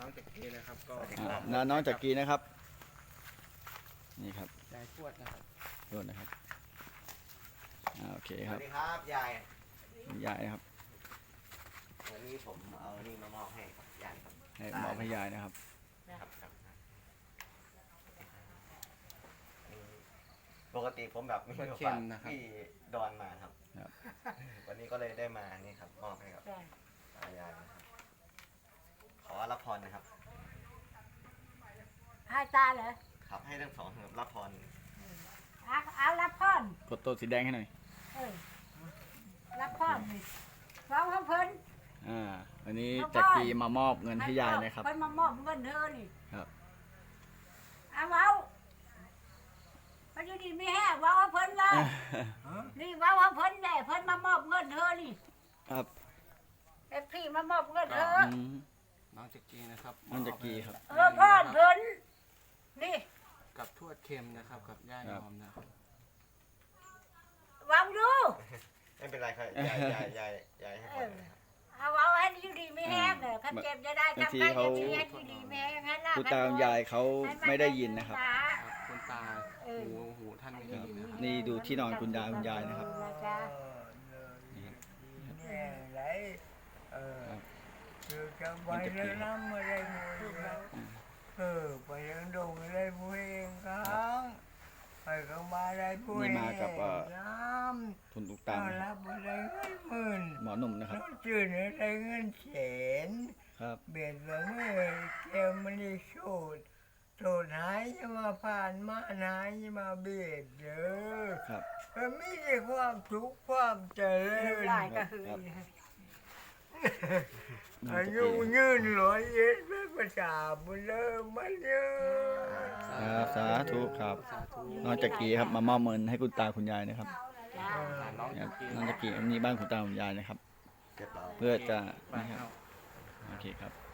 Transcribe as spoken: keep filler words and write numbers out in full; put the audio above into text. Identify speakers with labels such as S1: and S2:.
S1: องจักรีนะครับก็
S2: อ่าน้าน้องจักรีนะครับนี่ครับ
S1: ยายทวดนะครับ
S2: โทษนะครับอ่าโอเค
S3: ส
S2: ครั
S3: วั
S2: บ
S3: สดีครับยาย
S2: ยายนะครับ
S3: วันนี้ผมเอานี่มามอบให้ยายครับ
S2: ให้หมอพยายนะครับ
S3: ครับครับปกติผมแบบไม่ได้ฝากพี่ดอนมาครับ
S2: ครับ
S3: วันนี้ก็เลยได้มานี่ครับมอบให้กับยายนะครับขอรับพรนะครับ
S4: ให้ตาเหรอ
S3: ครับให้ทั้งสองครับรับพร
S4: เอาเอารับพร
S2: กดตัวสีแดงให้หน่อย
S4: เออรับพรนี่เราเขาเพิ่น
S2: อ่าวันนี้จักรีมามอบเงินให้ยายนะครับ
S4: เพิ่นมามอบเงินเธอนี่
S2: ครับ
S4: เอาเอาเพิ่นอยู่ดีไม่แห้งว่าเอาเพิ่นเลยนี่ว่าเอาเพิ่นแน่เพิ่นมามอบเงินเธอนี่
S2: ครับ
S4: เอฟพี่มามอบเงินเธอ
S2: อืม
S1: น้องจักรีนะครับ
S2: น้องจักรีครับ
S4: เออพ่อเพิ่นนี่
S1: กับทวดเค็มนะครับกับย่ายอมนะครับ
S4: วางดู
S3: ไม่เป็นไรครับยายยายยายยายให้พรนะครับ
S4: เอาเอาให้อยู่ดีไม่แห้งเด้อคันเจ็บจะได้ทำใครจะดีให้อยู่ดีไม่แห้งให้ลา
S2: คุณตาคุณยายเขาไม่ได้ยินนะครับ
S1: ครับคุณตาหูหูท่านไม่ดีนะครับ
S2: นี่ดูที่นอนคุณตาคุณยายนะครับ
S5: แม่ไรเออคือจะไปเรื่องน้ำอะไรมือเออไปเรื่องดงอะไรมือเองครับไปก็มาได้พูด
S2: นี่มากับเอ่อ
S5: น้ำ
S2: คุณตุก
S5: ต้
S2: ตา
S5: อ
S2: ม
S5: นรับอะไรเงินหมื่น
S2: หมอหนุ่มนะครับ
S5: ต้องจืดอะไรเงินแสน
S2: ครับ
S5: เบียดละเมื่อแก้วมันได้สูดสูดหายจะมาผ่านมาหายจะมาเบียดเด้อ
S2: ครับ
S5: มันไม่ใช่ความทุกข์ความเจริญ
S4: หลายก็คือ
S5: อายุยืนร้อยเอ็ดเป็นภาษาบุญเลิศมันเยอะ
S2: ครับสาธุครับ
S1: สาธุ
S2: น้องจักรีครับมามอบเงินให้คุณตาคุณยายนะครับ
S4: จ้า
S1: น้อง
S2: ค
S1: จั
S2: รับ
S1: กรี
S2: น้องจักรีอันนี้บ้านคุณตาคุณยายนะครับ
S3: เรียบร้อย
S2: เพื่อจะ
S1: ไป
S2: นะครับ
S1: เอา
S2: โอเคครับ